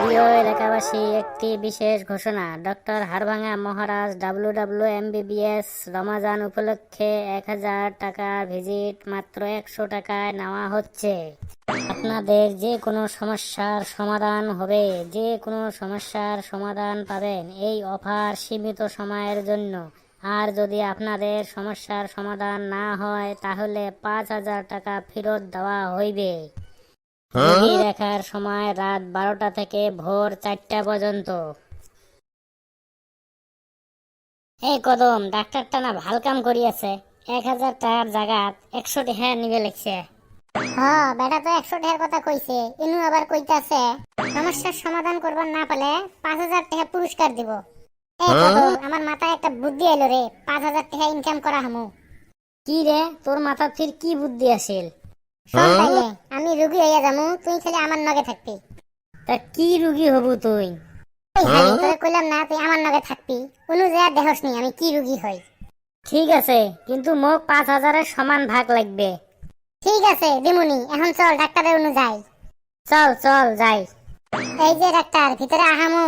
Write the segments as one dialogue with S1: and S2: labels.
S1: প্রিয় এলাকাবাসী, একটি বিশেষ ঘোষণা। ডক্টর হাড়ভাঙা মহারাজ WWMBBS রমাজান উপলক্ষে 1000 টাকা ভিজিট মাত্র 100 টাকায় নেওয়া হচ্ছে। আপনাদের যে কোনো সমস্যার সমাধান হবে, যে কোনো সমস্যার সমাধান পাবেন। এই অফার সীমিত সময়ের জন্য। আর যদি আপনাদের সমস্যার সমাধান না হয় তাহলে 5000 টাকা ফেরত দেওয়া হইবে। রোগী দেখার সময় রাত 12টা থেকে ভোর 4টা পর্যন্ত। এই কদম, ডাক্তারটা না ভাল কাম করিয়াছে। 1000 টাকার জায়গাত 100 টাকা নিবে লিখছে।
S2: বেটা তো 100 টাকার কথা কইছে, ইনু আবার কইতাছে সমস্যার সমাধান করবার না পারলে 5000 টাকা পুরস্কার দিব। আমার মাথায় একটা বুদ্ধি এলো রে, 5000 টাকা ইনকাম করা হামু।
S1: কি রে, তোর মাথা ফির কি বুদ্ধি আসিল?
S2: শোন তাইলে, আমি রুগী হইয়া যামু, তুই খালি আমার নগে থাকবি।
S1: তা কি রুগী হবু তুই?
S2: তোরে কইলাম না তুই আমার নগে থাকবি, কোনো জায়গা দেহস নি আমি কি রুগী হই।
S1: ঠিক আছে, কিন্তু মোক 5000-এর সমান ভাগ লাগবে।
S2: ঠিক আছে দিমুনি, এখন চল ডাক্তারের অনু যাই।
S1: চল চল যাই।
S2: এই যে ডাক্তার, ভিতরে আহামু।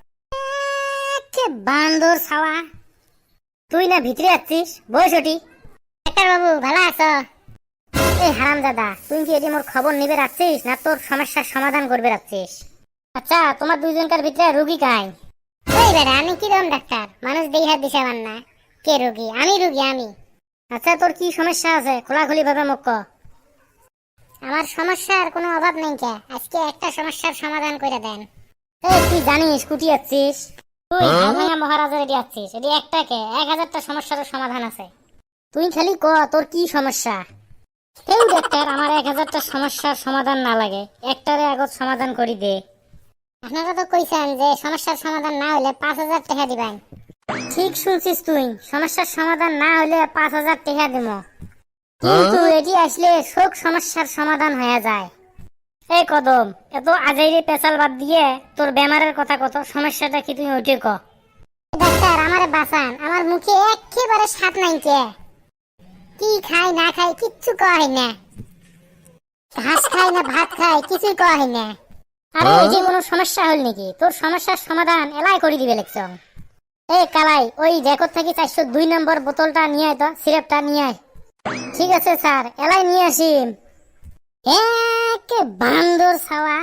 S1: বান্দর ছাওয়া, তুই না ভিতরে আছিস? বই সটি।
S2: ডাক্তার বাবু ভালো আছো?
S1: এই হারামজাদা, তুই কি এটি মোর খবর নিবে রাখছিস না তোর সমস্যার সমাধান করবে রাখছিস? আচ্ছা, তোমার দুইজনকার ভিতরে রুগী কাই?
S2: ওই বেটা, আমি কিরকম ডাক্তার? মানুষ দেই হাত দিছে আমার না। কে রুগী? আমি রুগী, আমি।
S1: আচ্ছা, তোর কি সমস্যা আছে খোলাখুলি ভাবে মুখ ক।
S2: আমার সমস্যার কোনো অভাব নেই কে, আজকে একটা সমস্যার সমাধান করে দেন।
S1: এই তুই জানিস কুটি আছিস? তুই হাড়ভাঙা মহারাজের এটি আছিস, এটি একটাকে 1000টা সমস্যার সমাধান আছে। তুই খালি ক তোর কি সমস্যা। এই ডাক্তার, আমার 1000টা সমস্যার সমাধান না লাগে, একটারে আগত সমাধান করি দে।
S2: আপনারা তো কইছেন যে সমস্যার সমাধান না হলে 5000 টাকা দিবেন।
S1: ঠিক শুনছিস তুই, সমস্যার সমাধান না হলে 5000 টাকা দিব। কিন্তু এটি আসলে সব সমস্যার সমাধান হয়ে যায়। এই কদম, এত আজাইরে পেছাল বাদ দিয়ে তোর বেমারের কথা কত, সমস্যাটা কি তুই ওইটে ক।
S2: ডাক্তার আমারে বাঁচান, আমার মুখে একেবারে স্বাদ নাই কে। কি খাই না খাই কিচ্ছু কয় না, ঘাস খাই না ভাত খাই কিছুই কয় না।
S1: আরে এই যে কোনো সমস্যা হল নাকি? তোর সমস্যার সমাধান এলাই করে দিবে লেখছ। এই কালাই, ওই রেকর্ড থেকে 402 নম্বর বোতলটা নিয়ে আয় তো, সিরাপটা নিয়ে আয়। ঠিক আছে স্যার, এলাই নিয়ে আসি। একে বান্দর ছাওয়া,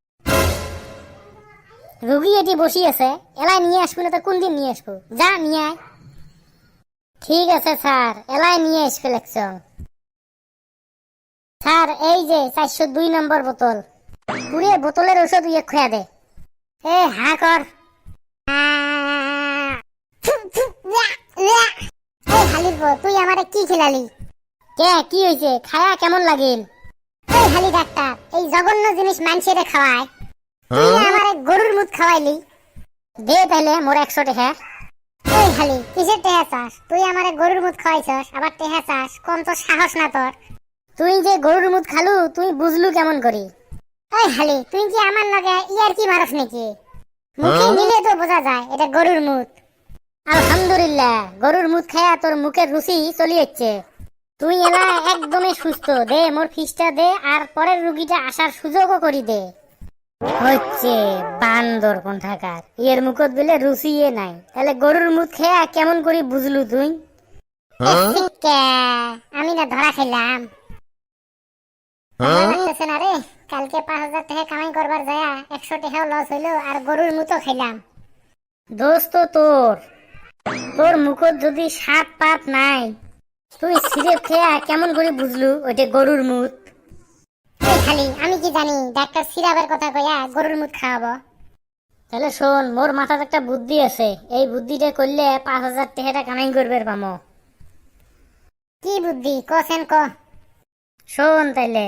S1: রুগী এটি বসি আছে, এলাই নিয়ে আসবো না তো কোন দিন নিয়ে আসবো? যা নিয়ে আয়। ঠিক আছে স্যার, এলাই নিয়ে আসবে লেখছ। স্যার, এই যে 402 নম্বর বোতল, পুরে বোতলের ওষুধ ইয়ে খোয়া দে। এ হা কর।
S2: তুই আমারে কি খিলালি?
S1: কে কি হয়েছে? খায়া কেমন লাগিল?
S2: এই হালি ডাক্তার, এই জঘন্য জিনিস মানুষেরে খাওয়ায়, তুই আমারে গরুর মুখ খাওয়াইলি।
S1: দে তাহলে মোর 100 টাকা।
S2: এই হালি, কিসের টেহা চাস? তুই আমারে গরুর মুখ খাওয়াইছস, আবার টেহা চাস? কম তো সাহস না তোর।
S1: তুই যে গরুর মুখ খালু, তুই বুঝলু কেমন করি?
S2: এই হালি, তুই কি আমার লগে ইয়ার কি মারস নাকি? মুখে নিলে তো বোঝা যায় এটা গরুর মুখ।
S1: আলহামদুলিল্লাহ, গরুর মুখ খায়া তোর মুখের রুচি চলি যাচ্ছে। তুই এলা একদমই সুস্থ, দে মোর ফিসটা দে, আর পরের রুগীটা আসার সুযোগও করি দে। হচ্ছে বান্দর কোনঠাকার, এর মুখত বলে রুচি নাই, তাহলে গরুর মুখ খেয়া কেমন করি বুঝলু তুই?
S2: আমি না ধরা খাইলাম। লাগতেছে না রে, কালকে 5000 টাকা কামাই করবার যায় 100 টাকাও লস হইলো, আর গরুর মুখও খাইলাম।
S1: দোস্ত, তোর তোর মুখত যদি 7 পাত নাই, তুই সিরেপ খেয়া কেমন করে বুঝলু ওইটা গরুর মুখ?
S2: খালি আমি কি জানি ডাক্তার সিরাপের কথা কইয়া গরুর মুখ খাওয়াবো?
S1: তাহলে শোন, মোর মাথায় একটা বুদ্ধি আছে, এই বুদ্ধিটা করলে 5000 টাকা কামাই করবে পামো।
S2: কি বুদ্ধি কোসেন ক?
S1: শোন তাইলে।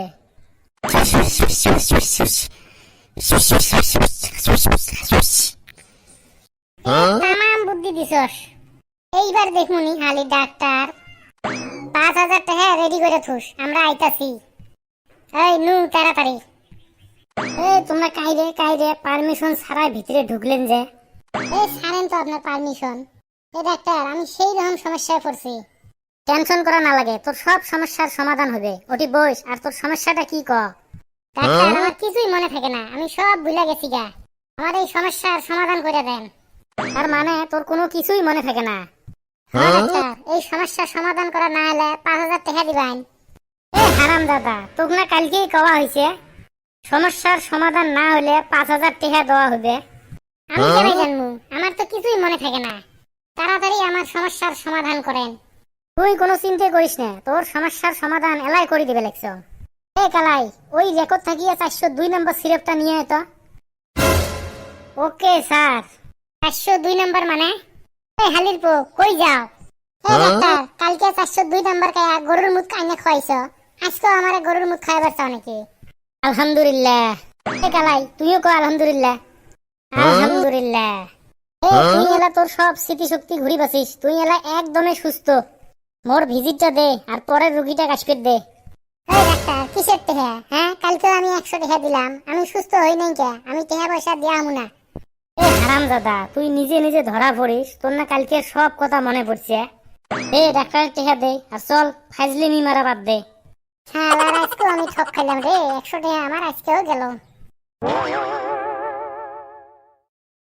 S2: তামাম বুদ্ধি দিছস। এইবার দেখমুনি হালি ডাক্তার, 5000 টাকা রেডি করে থুস, আমরা আইতাছি। এই নু তাড়াতাড়ি।
S1: এই তোমরা কাইরে পারমিশন ছাড়াই ভিতরে ঢুকলেন যে?
S2: এই ছাড়েন তো আপনার পারমিশন। এই ডাক্তার, আমি সেই রকম সমস্যায় পড়ছি।
S1: টেনশন করা না লাগে, তোর সব সমস্যার সমাধান হবে। ওটি বস, আর তোর সমস্যাটা কি ক?
S2: ডাক্তার, আমার কিছুই মনে থাকে না, আমি সব ভুলে গেছি গা। আমার এই সমস্যার সমাধান করে দেন।
S1: তার মানে তোর কোনো কিছুই মনে থাকে না।
S2: হ্যাঁ ডাক্তার, এই সমস্যার সমাধান করা না হলে 5,000 টাকা দিবেন।
S1: এ হারাম দাদা, তোকে না কালকেই কওয়া হয়েছে সমস্যার সমাধান না হলে 5,000 টাকা দেওয়া হবে।
S2: আমি কেন জানবো? আমার তো কিছুই মনে থাকে না। তাড়াতাড়ি আমার সমস্যার সমাধান করেন।
S1: তুই কোনো চিন্তা করিস না, তোর সমস্যার সমাধান এলাই করে দিবে লাগছ। এ কালাই, ওই রেকর্ড থাকিয়ে 402 নম্বর সিরাপটা নিয়ে আয় তো। Okay sir.
S2: 402 নম্বর মানে? এই হালির পো, কই যাও? এই ডাক্তার, কালকে 402 নম্বর খায়া গরুর মুখ কাইনে খাইছো, আজকেও আমারে গরুর মুখ খাইবার চাও নাকি?
S1: আলহামদুলিল্লাহ। এ কালাই, তুইও কো আলহামদুলিল্লাহ। আলহামদুলিল্লাহ। এ তুই এলা তোর সব স্মৃতিশক্তি ঘুরি বাসিস, তুই এলা একদমই সুস্থ। মোর ভিজিটটা দে আর পরের রুগীটা কাশপেট দে।
S2: এই ডাক্তার, কিসের টেহা? হ্যাঁ, কালকে আমি 100 টাকা দিলাম, আমি সুস্থ হই নাই কে? আমি টাকা পয়সা দিয়া আমু না।
S1: এ হারাম দাদা, তুই নিজে নিজে ধরা পড়িস, তোর না কালকে সব কথা মনে পড়ছে। এ ডাক্তারের টেহা দে আর চল ফাজলিমি মারা বাদ দে।
S2: হ্যাঁ, আজকেও আমি ঠক খাইলাম রে, 100 টাকা আমার আজকেও গেল।